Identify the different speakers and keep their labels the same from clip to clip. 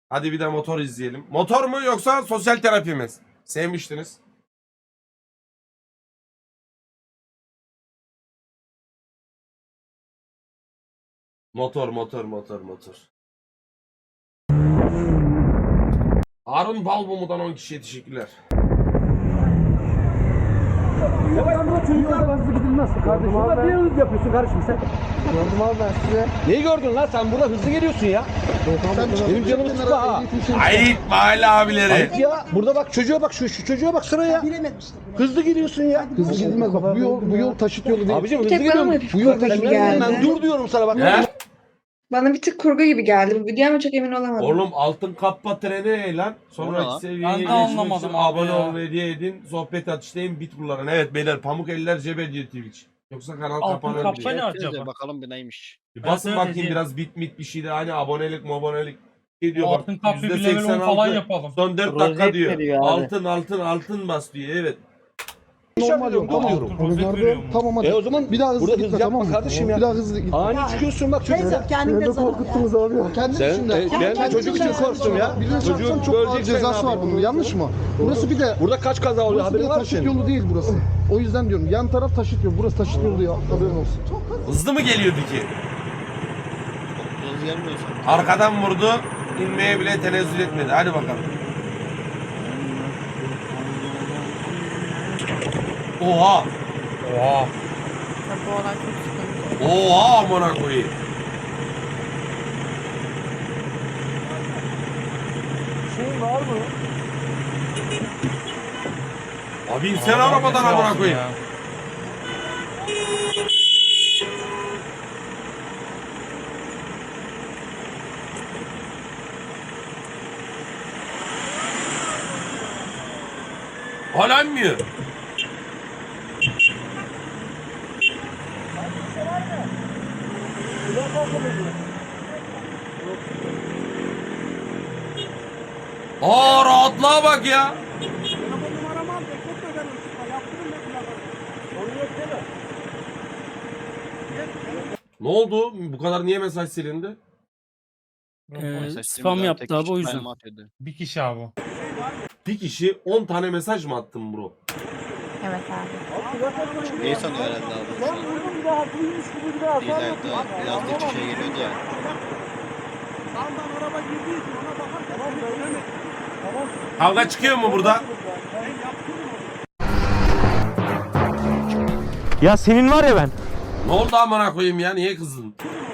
Speaker 1: Hadi bir de motor izleyelim. Motor mu yoksa sosyal terapi mi? Sevmiştiniz. Motor. Harun Balmum'dan 10 kişiye teşekkürler.
Speaker 2: Kardeşim niye hız yapıyorsun kardeşim sen?
Speaker 3: Gördüm abi ben size.
Speaker 2: Neyi gördün lan sen burada hızlı geliyorsun ya? Benim canımı sıkma ha.
Speaker 1: Ayıp mahalle abileri.
Speaker 2: Ayıp ya. Burada bak çocuğa bak şu çocuğa bak şuraya. Hızlı gidiyorsun ya.
Speaker 3: Hızlı gidilmez bak bu yol taşıt yolu değil.
Speaker 2: Abicim hızlı
Speaker 4: Tek bana
Speaker 2: gidiyorum.
Speaker 4: mı bir
Speaker 2: Bu yol
Speaker 4: kurgu gibi
Speaker 2: taşıt
Speaker 4: geldi?
Speaker 2: ben dur diyorum sana bak.
Speaker 1: He?
Speaker 4: Bana bir tık kurgu gibi geldi. Bu video ama çok emin olamadım.
Speaker 1: Oğlum altın kappa treni ne lan? Sonraki seviyeye
Speaker 5: Ben de
Speaker 1: geçmek
Speaker 5: anlamadım
Speaker 1: için
Speaker 5: abi
Speaker 1: abone
Speaker 5: ya.
Speaker 1: ol ve hediye edin. Sohbet atıştayım bit kullanın. Evet beyler pamuk eller cebe diyor Twitch. Yoksa kanal
Speaker 5: Altın
Speaker 1: kapanır
Speaker 5: kappa
Speaker 1: diye.
Speaker 5: ne acaba?
Speaker 6: Bakalım bir neymiş.
Speaker 1: Bir basın
Speaker 5: Evet,
Speaker 1: bakayım
Speaker 5: hediye.
Speaker 1: biraz bit bir şey de hani abonelik şey diyor bak.
Speaker 5: Altın kapı bir level 10 falan yapalım.
Speaker 1: Son 4 dakika
Speaker 3: Rozet
Speaker 1: diyor.
Speaker 3: veriyor abi.
Speaker 1: Altın bas diyor evet.
Speaker 3: Normal yol.
Speaker 2: Dur
Speaker 3: Tamam.
Speaker 2: diyorum.
Speaker 3: Onu
Speaker 5: Rozet
Speaker 3: gördüm.
Speaker 5: veriyor mu?
Speaker 3: Tamam hadi.
Speaker 2: O zaman
Speaker 3: Bir daha hızlı
Speaker 2: burada
Speaker 3: gitme
Speaker 2: hız yapma
Speaker 3: tamam mı?
Speaker 2: kardeşim ya.
Speaker 3: Bir daha hızlı gitme.
Speaker 2: Ani çıkıyorsun bak çocuğa.
Speaker 3: Beni de korkuttunuz abi. Kendi
Speaker 2: Sen
Speaker 3: içinde.
Speaker 2: ben çocuk için korktum ya.
Speaker 3: Birine çarpsan
Speaker 2: Çocuğun
Speaker 3: çok ağır
Speaker 2: böleceksin
Speaker 3: cezası var bunun. Yanlış mı? Burası bir de
Speaker 2: Burada kaç kaza oluyor
Speaker 3: burası bir de
Speaker 2: haberin var mı
Speaker 3: taşıt
Speaker 2: senin?
Speaker 3: yolu değil burası. O yüzden diyorum yan taraf taşıt yolu. Burası taşıt yolu ya. Haberin olsun.
Speaker 1: Hızlı mı geliyordu ki?
Speaker 6: Hızlı gelmiyorsun.
Speaker 1: Arkadan vurdu. İnmeye bile tenezzül etmedi. Hadi bakalım. Oha.
Speaker 5: Oha.
Speaker 4: Bu olay çok sıkıntı.
Speaker 1: Oha amına koyayım.
Speaker 3: Şey var mı?
Speaker 1: Abi insen arabadan amına koyayım.
Speaker 5: Ya.
Speaker 1: Hala inmiyor. Aa rahatlığa bak ya. Ne oldu? Bu kadar niye mesaj silindi?
Speaker 5: Spam yaptı abi o yüzden.
Speaker 6: Mahvedi.
Speaker 5: Bir kişi abi. o.
Speaker 1: Bir kişi 10 tane mesaj mı attın bro?
Speaker 4: Evet abi.
Speaker 6: Neyi sanıyor herhalde abi şu an? İleride yazdıkça şey geliyordu ya.
Speaker 1: Kavga çıkıyor mu burada?
Speaker 7: Ya senin var ya ben.
Speaker 1: Ne oldu amına koyayım ya? Niye kızdın?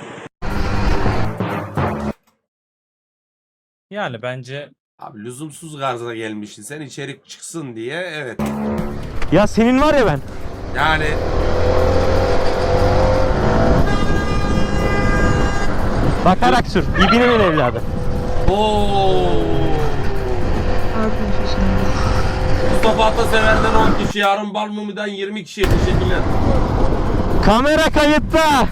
Speaker 5: Yani bence
Speaker 1: Abi lüzumsuz garza gelmişsin. Sen içerik çıksın diye evet.
Speaker 7: Ya senin var ya ben.
Speaker 1: Yani
Speaker 7: Bakarak sür. İbinin evladı.
Speaker 1: ooo. Mustafa Atasever'den 10 kişi, Harun Balmumi'den 20 kişiye teşekkürler.
Speaker 7: Kamera kayıtta.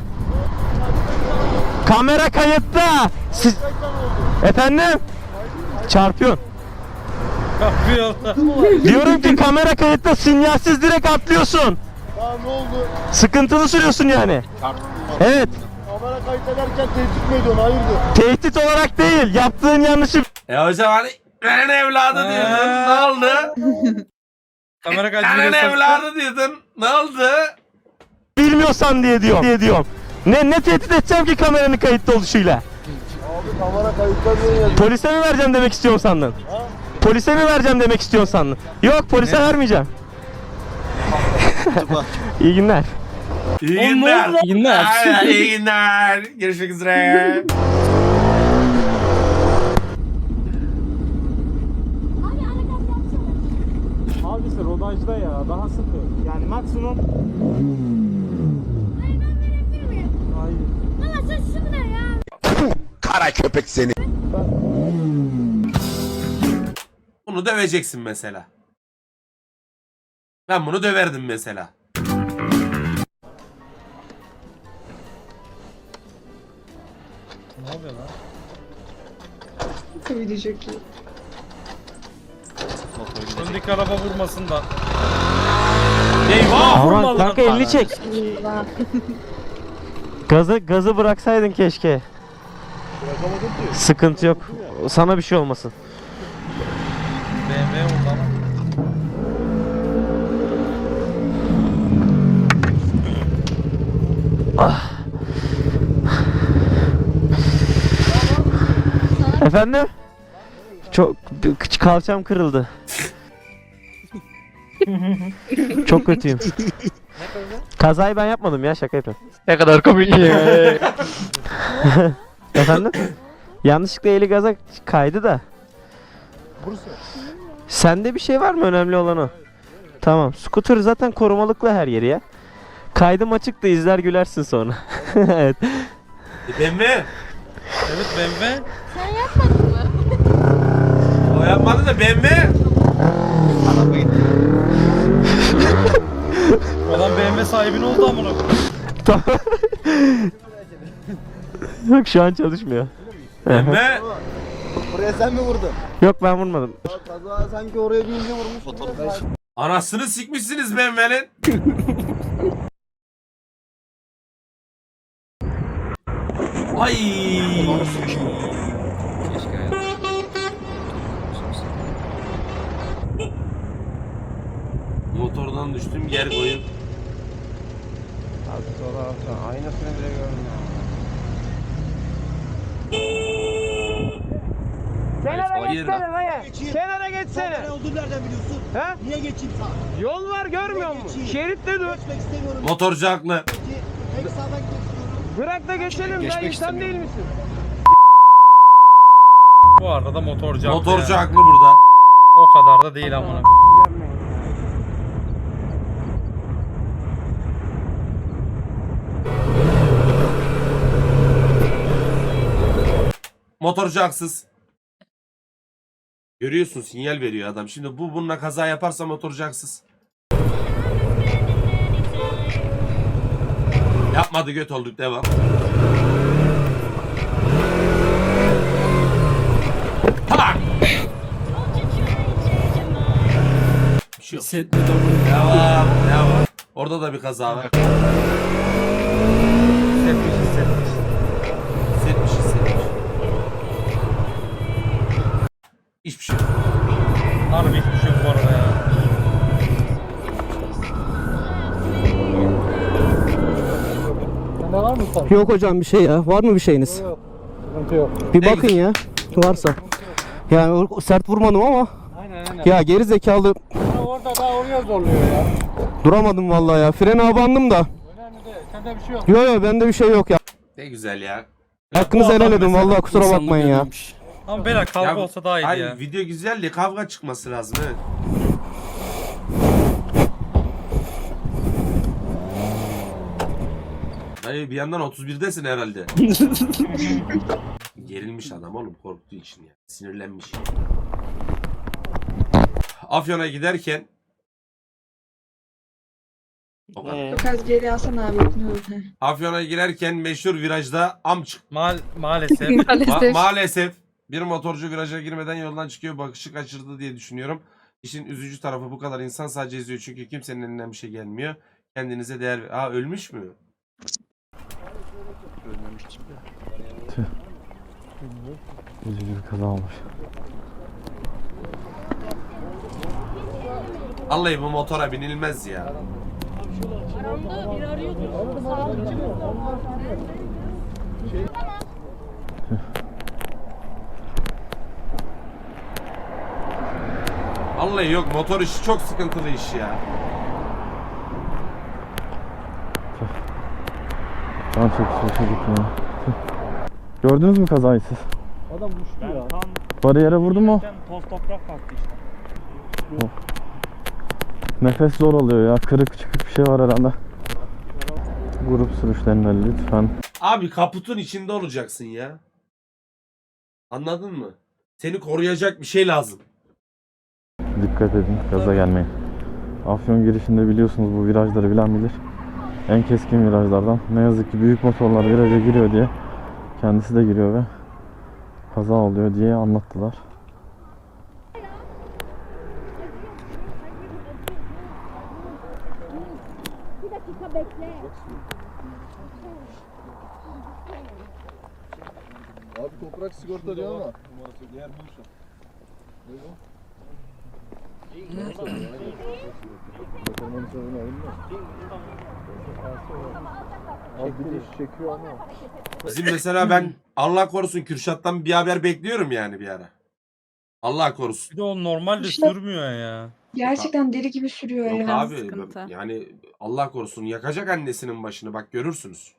Speaker 7: Kamera kayıtta. Siz... Efendim? Çarpıyorsun.
Speaker 5: kapıyor.
Speaker 7: Diyorum ki kamera kayıtta sinyalsiz direkt atlıyorsun.
Speaker 3: Daha ne oldu?
Speaker 7: Sıkıntılı sürüyorsun yani. Evet.
Speaker 3: Kamera kayıt ederken tehdit mi ediyorsun? Hayırdır?
Speaker 7: Tehdit olarak değil. Yaptığın yanlışı
Speaker 1: Hocam hani ben evladı diyordun. Ne oldu?
Speaker 5: Kamera
Speaker 1: Ben
Speaker 5: kaydını
Speaker 1: evladı diyordun. Ne oldu?
Speaker 7: bilmiyorsan diye diyorum. Ne tehdit edeceğim ki kameranın kayıtta oluşuyla?
Speaker 3: Abi kamera kayıtlar niye yazıyor?
Speaker 7: Polise mi vereceğim demek istiyorsun sandın? Polise mi vereceğim demek istiyorsun sandın? Yok polise vermeyeceğim. İyi günler.
Speaker 1: İyi
Speaker 5: Oğlum, ne
Speaker 1: günler.
Speaker 5: oldu lan? İyi günler.
Speaker 1: Ay, İyi günler. Görüşmek üzere.
Speaker 3: Abisi rodajda ya daha sıkı. Yani maksimum.
Speaker 8: Hayır ben verebilir miyim?
Speaker 3: Hayır.
Speaker 8: Baba sen şu ne ya?
Speaker 9: Kara köpek seni.
Speaker 1: Bunu döveceksin mesela. Ben bunu döverdim mesela.
Speaker 5: Ne oluyor lan?
Speaker 4: Video çok iyi.
Speaker 6: Motor gidecek.
Speaker 5: Öndeki araba vurmasın da. Eyvah
Speaker 7: Aman
Speaker 5: vurmadı.
Speaker 7: kanka elini çek.
Speaker 4: Eyvah.
Speaker 7: Gazı bıraksaydın keşke. Sıkıntı yok. sana bir şey olmasın.
Speaker 5: BMW oldu ama.
Speaker 7: Efendim? Çok kalçam kırıldı. Çok kötüyüm. Kazayı ben yapmadım ya, şaka yapıyorum. Ne kadar komik ya. Efendim? Yanlışlıkla eli gaza kaydı da. Sende bir şey var mı? Önemli olan o. Tamam. Scooter zaten korumalıklı her yeri ya. Kaydım açık da izler gülersin sonra. Evet.
Speaker 1: BMW.
Speaker 5: Evet BMW.
Speaker 8: Sen yapmadın mı?
Speaker 1: O yapmadı da BMW.
Speaker 5: Adam BMW sahibin oldu amına.
Speaker 7: Yok, şu an çalışmıyor.
Speaker 1: BMW.
Speaker 3: Buraya sen mi vurdun?
Speaker 7: Yok, ben vurmadım.
Speaker 3: Kaza sanki oraya bir ince vurmuş.
Speaker 1: Anasını sikmişsiniz BMW'nin. Ay. Motordan düştüm, yer koyup.
Speaker 2: Aynasını bile görmüyor.
Speaker 6: Kenara
Speaker 1: Hayır
Speaker 6: geçsene
Speaker 1: lan.
Speaker 6: dayı. Kenara geçsene.
Speaker 2: Ne olduğunu nereden biliyorsun?
Speaker 6: He?
Speaker 2: Niye geçeyim sağa?
Speaker 6: Yol var görmüyor musun? Şeritte dur.
Speaker 2: Geçmek istemiyorum.
Speaker 1: Motorcu haklı.
Speaker 2: Tek sağdan geçiyorum.
Speaker 6: Bırak da geçelim dayı, insan değil misin?
Speaker 5: Bu arada motorcu haklı
Speaker 1: Motorcu
Speaker 5: yani.
Speaker 1: haklı burada.
Speaker 5: O kadar da değil amına.
Speaker 1: Motorcu haksız. Görüyorsun, sinyal veriyor adam. Şimdi bununla kaza yaparsa motorcu haksız. Yapmadı, göt olduk, devam. Tamam. Bir şey yok. Devam, devam. Orada da bir kaza var. Hissetmiş. Hiçbir şey yok.
Speaker 5: Harbi hiçbir şey yok bu arada ya.
Speaker 3: Sende var mı sen?
Speaker 2: Yok hocam bir şey ya. Var mı bir şeyiniz?
Speaker 3: Yok. Sıkıntı yok.
Speaker 2: Bir
Speaker 1: Ne
Speaker 2: bakın ya. Varsa. Yani sert vurmadım ama.
Speaker 3: Aynen.
Speaker 2: Ya geri zekalı
Speaker 3: Orada daha oraya zorluyor ya.
Speaker 2: duramadım vallahi ya. Frene abandım da.
Speaker 3: Önemli değil. Sende bir şey yok.
Speaker 2: Yo bende bir şey yok ya.
Speaker 1: Ne güzel ya.
Speaker 2: Hakkınızı
Speaker 5: Bu adam
Speaker 2: helal edin
Speaker 5: mesela
Speaker 2: vallahi, kusura bakmayın ya.
Speaker 5: Ama beyler kavga
Speaker 1: Ya,
Speaker 5: olsa daha iyiydi
Speaker 1: hayır,
Speaker 5: ya.
Speaker 1: video güzel de kavga çıkması lazım, evet. Hayır, bir yandan 31'desin herhalde. Gerilmiş adam oğlum, korktuğu için ya. Sinirlenmiş. Afyon'a giderken o kadar.
Speaker 4: Çok az geri alsana abi.
Speaker 1: Afyon'a girerken meşhur virajda am çıktı.
Speaker 5: Maalesef.
Speaker 1: Maalesef bir motorcu viraja girmeden yoldan çıkıyor, bakışı kaçırdı diye düşünüyorum. İşin üzücü tarafı, bu kadar insan sadece izliyor çünkü kimsenin elinden bir şey gelmiyor. Kendinize değer ver. Aa, ölmüş mü?
Speaker 7: Üzücü bir kaza olmuş.
Speaker 1: Vallahi bu motora binilmez ya.
Speaker 8: Aramda bir arıyordu. Sağlıkçı mı?
Speaker 1: Vallahi yok, motor işi çok sıkıntılı iş ya.
Speaker 7: Ben çok şaşırdık ya. Gördünüz mü kazayı siz?
Speaker 3: Adam düştü ya.
Speaker 7: Bariyere vurdu mu?
Speaker 6: Toz toprak kalktı işte.
Speaker 7: Nefes zor oluyor ya. Kırık çıkık bir şey var herhalde. Grup sürüşlerinde lütfen.
Speaker 1: Abi kaputun içinde olacaksın ya. Anladın mı? Seni koruyacak bir şey lazım.
Speaker 7: Dikkat edin, gaza gelmeyin. Afyon girişinde biliyorsunuz, bu virajları bilen bilir. En keskin virajlardan. Ne yazık ki büyük motorlar viraja giriyor diye kendisi de giriyor ve kaza oluyor diye anlattılar.
Speaker 8: Bir dakika bekle.
Speaker 3: Abi toprak sigorta diyor ama. Abi bir de çekiyor ama.
Speaker 1: Bizim mesela ben Allah korusun Kürşat'tan bir haber bekliyorum yani bir ara. Allah korusun.
Speaker 5: Bir de o normalde
Speaker 4: İşte-
Speaker 5: sürmüyor ya.
Speaker 4: Gerçekten deli gibi sürüyor
Speaker 1: Yok
Speaker 4: ya.
Speaker 1: abi
Speaker 8: sıkıntı.
Speaker 1: yani Allah korusun yakacak annesinin başını bak görürsünüz.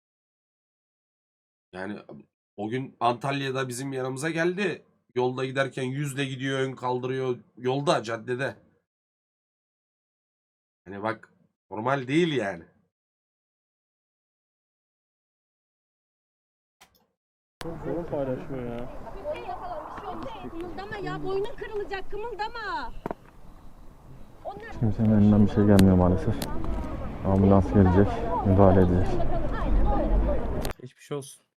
Speaker 1: Yani o gün Antalya'da bizim yanımıza geldi. Yolda giderken 100'le gidiyor, ön kaldırıyor yolda, caddede. Hani bak normal değil yani.
Speaker 8: Kımıldama ya, boynun kırılacak, kımıldama.
Speaker 7: Hiç kimsenin elinden bir şey gelmiyor maalesef. Ambulans gelecek, müdahale edecek.
Speaker 5: Geçmiş olsun.